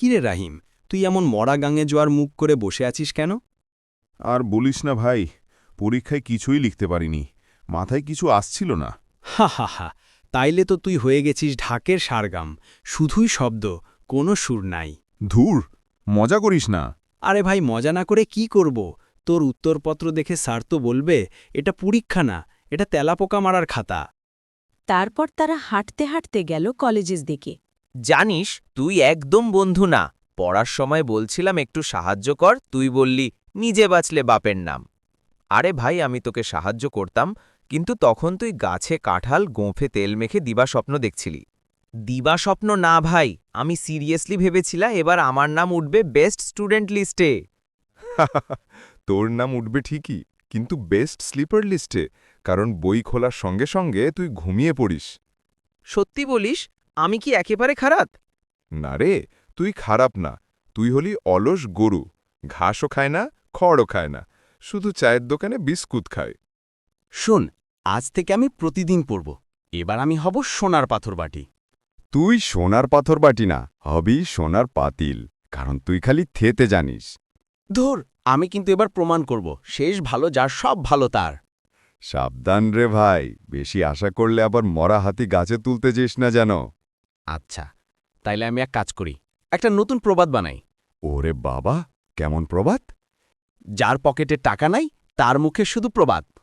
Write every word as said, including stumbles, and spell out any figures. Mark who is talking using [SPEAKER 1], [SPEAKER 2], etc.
[SPEAKER 1] কিরে রাহিম, তুই এমন মরা গাঙে জোয়ার মুখ করে বসে আছিস কেন?
[SPEAKER 2] আর বলিস না ভাই, পরীক্ষায় কিছুই লিখতে পারিনি, মাথায় কিছু আসছিল না।
[SPEAKER 1] হা হা হা, তাইলে তো তুই হয়ে গেছিস ঢাকের সারগাম, শুধুই শব্দ, কোনো সুর নাই।
[SPEAKER 2] ধুর, মজা করিস না।
[SPEAKER 1] আরে ভাই, মজা না করে কি করব? তোর উত্তরপত্র দেখে স্যার তো বলবে এটা পরীক্ষা না, এটা তেলাপোকা মারার খাতা।
[SPEAKER 3] তারপর তারা হাঁটতে হাঁটতে গেল কলেজের দিকে।
[SPEAKER 4] জানিস তুই একদম বন্ধু না, পড়ার সময় বলছিলাম একটু সাহায্য কর, তুই বললি নিজে বাঁচলে বাপের নাম। আরে ভাই, আমি তোকে সাহায্য করতাম, কিন্তু তখন তুই গাছে কাঁঠাল গোঁফে তেল মেখে দিবা স্বপ্ন দেখছিলি। দিবা স্বপ্ন না ভাই, আমি সিরিয়াসলি ভেবেছিলাম এবার আমার নাম উঠবে বেস্ট স্টুডেন্ট লিস্টে।
[SPEAKER 5] তোর নাম উঠবে ঠিকই, কিন্তু বেস্ট স্লিপার লিস্টে, কারণ বই খোলার সঙ্গে সঙ্গে তুই ঘুমিয়ে পড়িস।
[SPEAKER 4] সত্যি বলিস? আমি কি একেবারে খারাপ?
[SPEAKER 5] না রে, তুই খারাপ না, তুই হলি অলস গরু, ঘাসও খায় না, খড়ও খায় না, শুধু চায়ের দোকানে বিস্কুট খায়।
[SPEAKER 1] শোন, আজ থেকে আমি প্রতিদিন পড়ব, এবার আমি হব সোনার পাথর বাটি।
[SPEAKER 6] তুই সোনার পাথর বাটি না, হবি সোনার পাতিল, কারণ তুই খালি থেতে জানিস।
[SPEAKER 1] ধুর, আমি কিন্তু এবার প্রমাণ করব শেষ ভালো যার সব ভালো তার।
[SPEAKER 6] সাবধান রে ভাই, বেশি আশা করলে আবার মরা হাতি গাছে তুলতে যেস না যেন।
[SPEAKER 1] আচ্ছা, তাইলে আমি এক কাজ করি, একটা নতুন প্রবাদ বানাই।
[SPEAKER 6] ওরে বাবা, কেমন প্রবাদ?
[SPEAKER 1] যার পকেটে টাকা নাই তার মুখে শুধু প্রবাদ।